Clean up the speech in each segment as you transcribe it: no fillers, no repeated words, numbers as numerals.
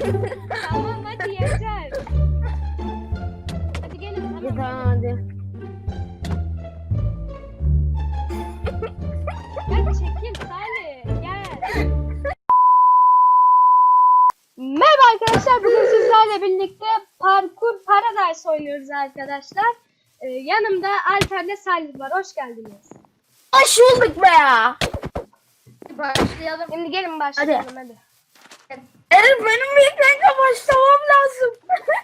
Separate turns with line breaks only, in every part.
Tamam hadi yeter. Hadi gelin
Hadi
tamam.
tamam hadi.
Hadi çekil Salih gel. Merhaba arkadaşlar, bugün sizlerle birlikte Parkur Paradise oynuyoruz arkadaşlar. Yanımda Alper'le Salih var, hoş geldiniz.
Hoş bulduk be ya.
Başlayalım.
Şimdi gelin başlayalım hadi.
Evet benim bir kanka başlamam lazım.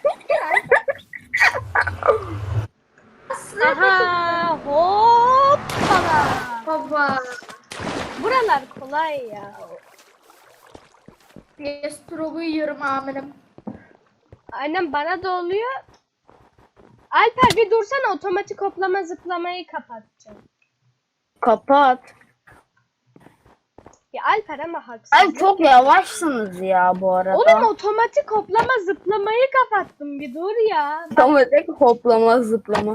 Aha hoppala.
Baba.
Buralar kolay ya.
Destrobu yiyorum amirim.
Aynen bana da oluyor. Alper bir dursana, otomatik hoplama zıplamayı kapatacağım.
Kapat.
Ya Alper ama haksız.
Ay çok yavaşsınız ya bu arada.
Oğlum otomatik hoplama zıplamayı kapattım, bir dur ya.
Otomatik hoplama zıplama.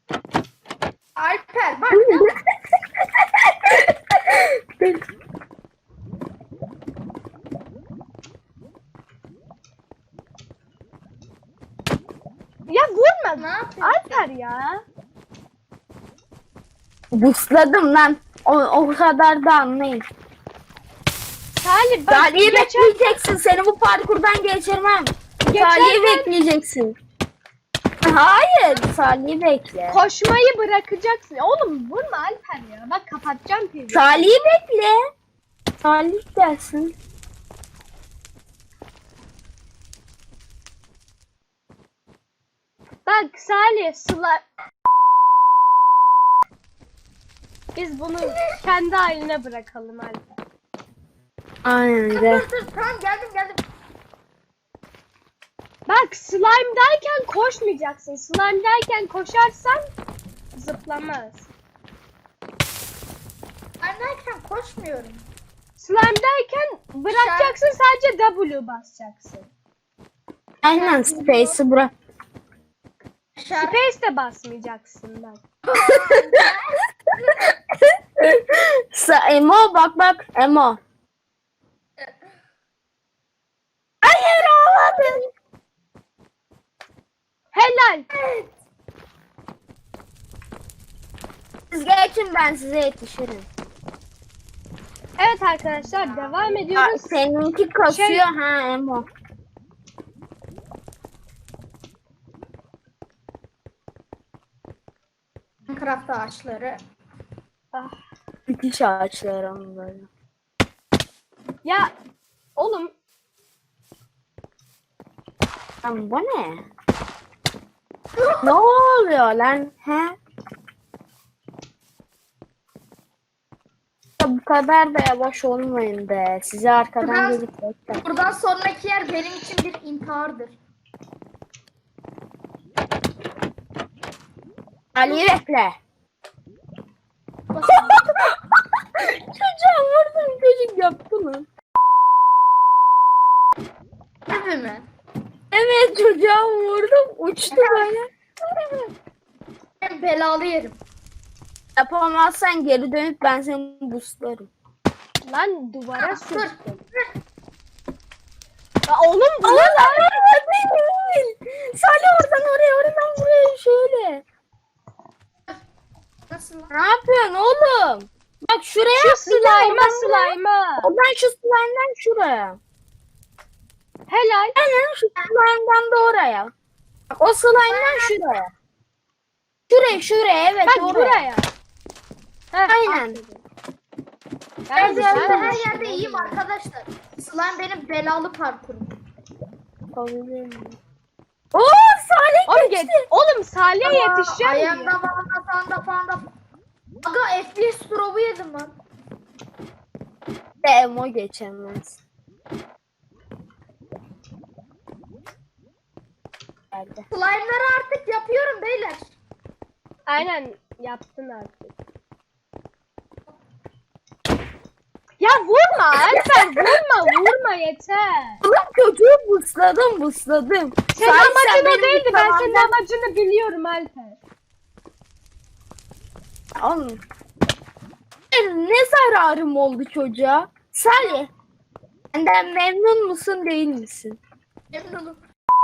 Alper bak ya.
Ya vurma.
Ne yapıyorsun?
Alper ya.
Busladım lan. O kadar da anlayın.
Salih bak
Salih'i bekleyeceksin. Seni bu parkurdan geçirmem. Salih'i bekleyeceksin. Hayır. Salih'i bekle.
koşmayı bırakacaksın. Oğlum vurma Alper ya. Bak kapatacağım TV.
Salih'i bekle. Salih gelsin.
Bak Salih Biz bunu kendi haline bırakalım Alper.
Aynen
Dur
de.
dur tamam geldim.
Bak slime'dayken koşmayacaksın. Slime'dayken koşarsan zıplamaz.
Anneyken koşmuyorum.
Slime'dayken bırakacaksın, sadece W basacaksın.
Aynen space'i bırak.
Şarkı.
Space de basmayacaksın bak.
Emo bak Emo. Hayır olmadı.
Helal.
Siz geçin ben size yetişirim.
Evet arkadaşlar devam
Aa,
ediyoruz.
seninki kasıyor ha Emo.
Minecraft ağaçları.
Ah.
Müthiş ağaçlar onun böyle.
Ya oğlum
Lan bu ne? Ne oluyor lan? He? Ya bu kadar da yavaş olmayın be. Size arkadan
Biraz-
gelip bekler.
Buradan sonraki yer benim için bir intihardır.
Ali'yi bekle. Çocuğa vurdum, çocuk yaptı mı?
Gibi mi?
Evet çocuğa vurdum, uçtu böyle.
Ben belalı yerim.
Yapamazsan geri dönüp ben seni boostlarım.
lan duvara
Dur.
sürttüm. Ya oğlum bu ne lan?
Salih oradan oraya, oradan buraya şöyle.
Nasıl lan?
Ne yapıyorsun oğlum? Bak şuraya
Şu
atlayacağım,
slime'a
oradan buraya.
slime'a.
Oradan şu slime'dan şuraya.
Helal.
Aynen şu slime'dan da oraya. Bak o slime'dan şuraya. Şuraya evet
Bak
oraya.
buraya. Heh,
Aynen.
Ben
güzel
her
olmuş.
yerde iyiyim arkadaşlar. Slime benim belalı parkurum.
Oo Salih
Oğlum,
geçti.
oğlum Salih'e yetişeceğim
Ayağımda
diye.
falan. Aga FPS drop'u yedim lan.
Emo geçemez. Geldi.
Slime'ları artık yapıyorum beyler.
Aynen yaptın artık. Ya vurma Alper, vurma yeter.
Oğlum çocuğu busladım.
Senin
Salih,
amacın o
benim
değildi, ben senin
zamandan-
amacını biliyorum Alper.
Oğlum. Ne zararım oldu çocuğa? Salih. Benden memnun musun değil misin?
Memnunum.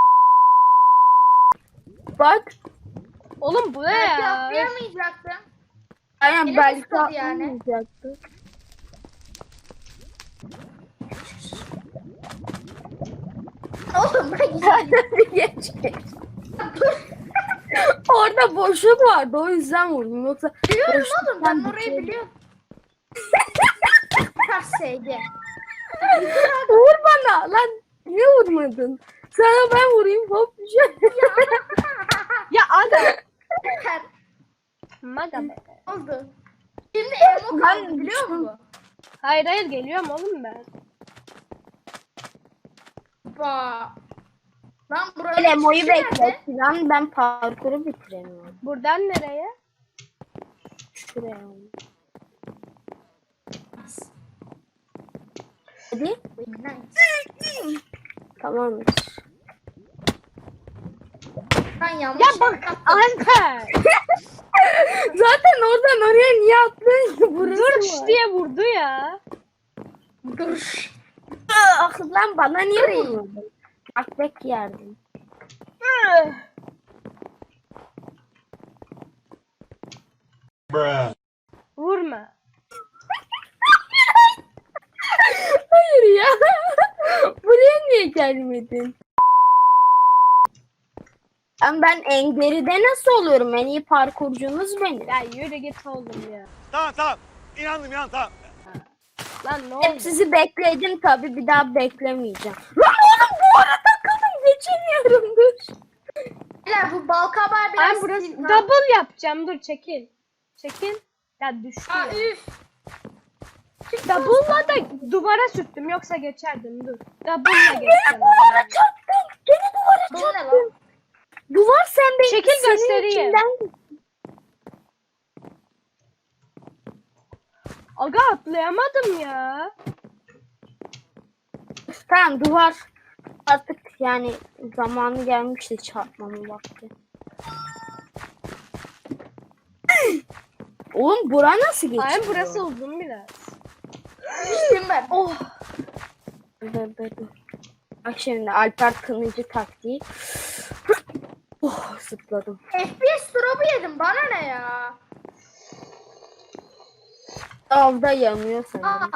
Bak.
Oğlum bu ne
Belki
ya?
atlayamayacaktım.
Aynen
Yine
belki
tutmadı yani.
atlayacaktı.
Oğlum bırak güzel.
Geç geç. Orada boşluk vardı o yüzden vurdum. Yoksa
Biliyorum
boşluktan
oğlum ben orayı
bitiyordu.
biliyorum. Terseydi.
Vur bana lan. Niye vurmadın? Sana ben vurayım hop düşer.
Ya aga.
Ter
Maga be.
oldu. Şimdi Emo
Ben
kaldı biliyor
düştüm.
musun?
Hayır hayır geliyorum oğlum ben.
Ba. Lan buraya
Hele moyu
çıkışı nerede?
bekle. Lan ben parkuru bitiremiyorum.
Buradan nereye?
Şuraya. Hadi.
Nice.
Tamam.
Ben yanlış
Ya bak
yaptım.
Alper.
Zaten oradan oraya niye atlıyorsun ki? Burası
Dur
var.
diye vurdu ya.
Dur.
Ah lan bana niye vurmadın? Bak bek yerdim.
Vurma.
Hayır ya. Buraya niye gelmedin? Ben en geride nasıl oluyorum? En iyi parkurcunuz benim.
Ya yürü git oğlum ya.
Tamam tamam. İnandım tamam.
Lan ne
Hep
oldu?
sizi bekledim tabii bir daha beklemeyeceğim. Lan oğlum bu arada takıldım geçemiyorum dur.
Beyler bu balkabağı biraz
Ben burası
sil-
double yapacağım. Dur çekil. Çekil. Ya düştü
Aa,
ya.
üf.
Double'la da duvara sürttüm yoksa geçerdim dur. Double'la
Gene
geçeceğim.
duvara çarptım. Gene duvara
Bu ne
çarptım.
lan?
Duvar sen beni
Çekil
senin
göstereyim.
içinden-
Aga atlayamadım ya.
Tamam duvar artık yani zamanı gelmişti çarpmamın vakti. Oğlum bura nasıl geçiyor?
Aynen burası uzun biraz.
Düştüm ben.
Oh.
Dur. Bak şimdi Alper Kınıcı taktiği. Oh zıpladım.
FPS drop'u yedim bana ne ya?
Dalda yanıyor
Aa.
sanırım.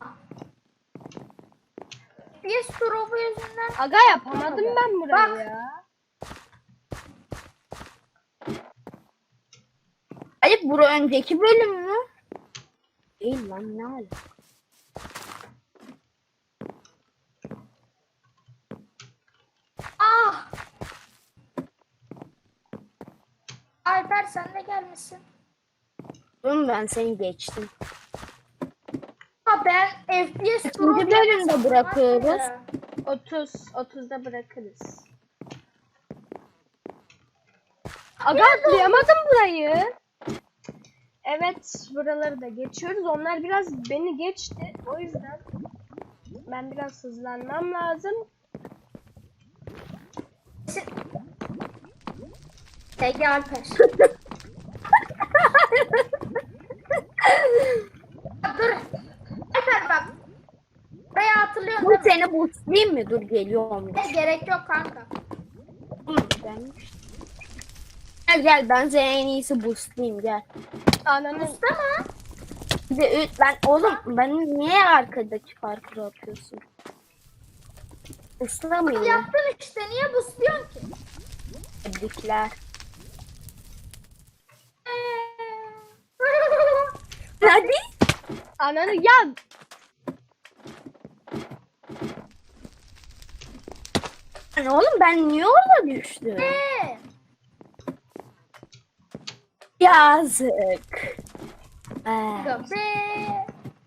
FPS drop'u yüzünden.
Aga yapamadım ben burayı
Bak.
ya.
Hayır bura önceki bölüm mü? Değil lan ne ala?
Ah. Alper sen de gelmişsin.
Oğlum ben seni geçtim.
Ha ben FPS
İkinci
drop
bölümde
yemesem
bırakıyoruz.
var ya.
30'da bırakırız. Aga atlayamadım burayı. Evet buraları da geçiyoruz. Onlar biraz beni geçti. O yüzden ben biraz hızlanmam lazım.
Ege Alper. Dur. Alper bak. Buraya hatırlıyorsun
Bu
değil mi?
seni boostlayayım mı? Dur geliyorum.
Ne gerek yok kanka.
Gelmiş. Gel ben seni en iyisi boostlayayım gel.
Ananın
Usta mı?
Bir de ben oğlum ben niye arkadaki parkuru atıyorsun? Islamayayım.
Yaptın işte niye busluyorsun ki?
Tebrikler. Hadi.
ananı ya
Lan oğlum ben niye orada düştüm?
Ne?
Yazık.
Be.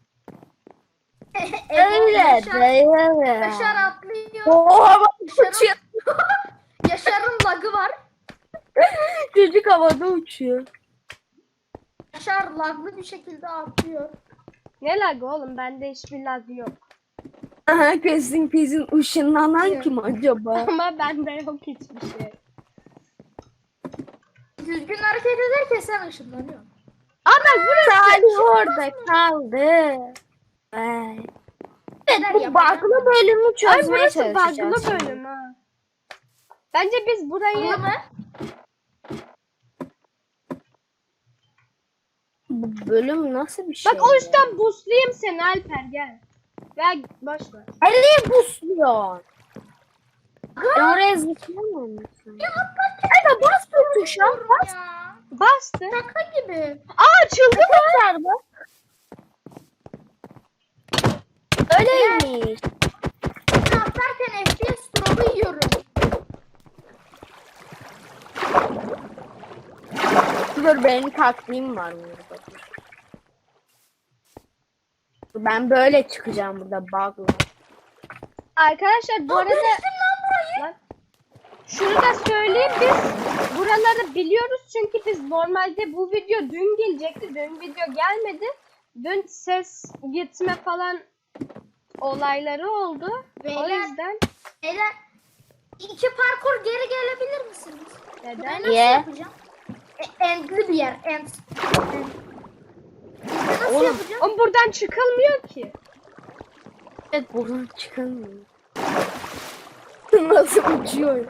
Öyle
Yaşar
değil.
atlıyor.
Oha bak uçuyor.
Yaşar'ın lagı var.
Çocuk havada uçuyor.
Yaşar laglı bir şekilde atlıyor.
ne lag oğlum bende hiçbir lag yok.
Aha kesin ışınlanan kim acaba?
Ama bende yok hiçbir şey.
Düzgün hareket ederken sen ışınlanıyorsun.
Aa bak burası.
Salih orada kaldı. Ay. Evet, bu bug'lı bölümü
Ay
çözmeye
burası
çalışacağız.
bug'lı bölüm ha. Bence biz burayı
Anladın mı?
Bu bölüm nasıl bir şey?
bak o yüzden boostlayayım seni Alper gel. Ver boş ver.
Nereye busluyor? Ben oraya zıplayamam mısın? Hadi bas bu tuşa. Bas.
Ya.
Bastı.
Şaka gibi.
Aa açıldı mı?
Tekrar bak. Öyleymiş.
Ben atlarken FPS drop'u yiyorum.
Dur benim taktiğim var burada. Ben böyle çıkacağım burada bug'la.
Arkadaşlar bu arada Lan, şunu da söyleyeyim biz buraları biliyoruz çünkü biz normalde bu video dün gelecekti. Dün video gelmedi. Dün ses gitme falan olayları oldu. O
Beyler.
yüzden
Beyler 2 parkur geri gelebilir misiniz? Ben
neden?
nasıl
Niye?
yapacağım? Endli bir yer. End. Nasıl
Oğlum,
yapacağım?
Ama buradan çıkılmıyor ki.
Evet buradan çıkamıyorum. Nasıl uçuyor?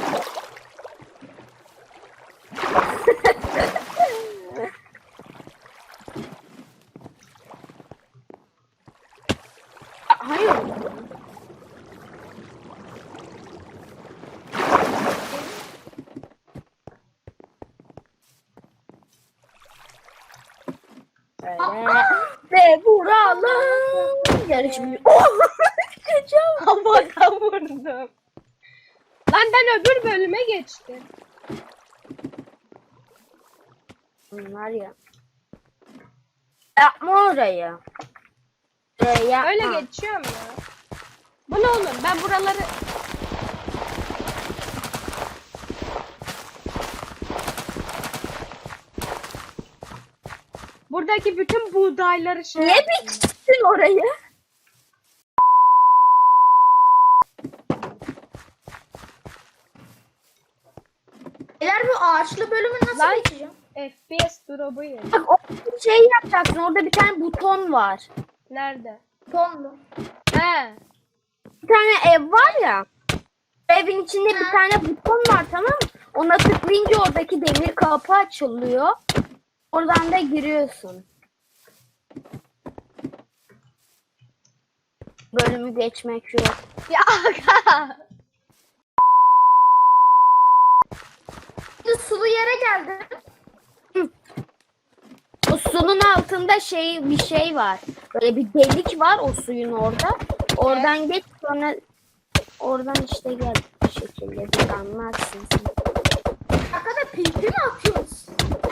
Hayır. Öyle. Ve vuralım. Yarışmıyor. Kaçam.
Havadan vurdum. Lan ben öbür bölüme geçtim.
Bunlar ya. Yapma orayı. Yapma.
Öyle geçiyorum ya. Bu ne oğlum? Ben buraları... Buradaki bütün buğdayları şey...
Niye biçtin orayı?
Beyler bu ağaçlı bölümü nasıl
Lan.
geçeceğim?
FPS drop'u yedim.
Bak o şey yapacaksın. Orada bir tane buton var.
Nerede?
Tonlu.
He.
Bir tane ev var ya. Evin içinde bir
Ha.
tane buton var, tamam mı? Ona tıklayınca oradaki demir kapı açılıyor. Oradan da giriyorsun. Bölümü geçmek yok.
Ya aga.
Şimdi sulu yere geldim.
O suyun altında bir şey var. Böyle bir delik var o suyun orada. Oradan geç, sonra oradan işte gel bir şekilde bir anlarsın sen.
Arkada pipi mi atıyoruz?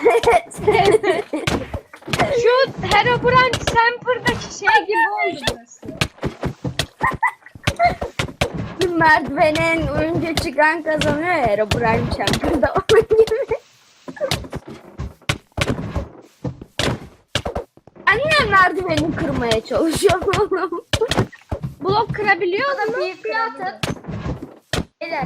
Şu Herobrine Semper'daki şey gibi oldu burası.
Merdivenen önce çıkan kazanıyor ya, Herobrine Chamber'da onun gibi. Anne merdiveni kırmaya çalışıyor oğlum.
Blok kırabiliyor
Ya da
mu?
pipi atın. Beyler.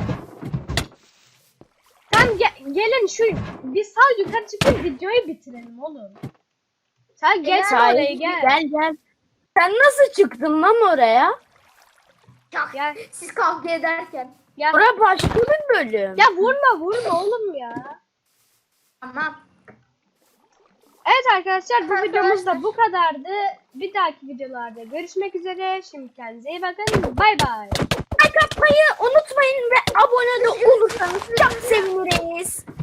Tamam gelin şu bir sal yukarı çıkıp videoyu bitirelim oğlum. Sen geç oraya gel.
Gel. Sen nasıl çıktın lan oraya?
Ya,
Gel.
siz kavga ederken.
Ya,
Orası başka bir bölüm.
ya vurma oğlum ya.
Tamam.
Evet arkadaşlar bu
Arkadaşlar.
videomuz da bu kadardı. Bir dahaki videolarda görüşmek üzere. Şimdi kendinize iyi bakın. Bay bay.
Like atmayı unutmayın ve abone de olursanız çok seviniriz.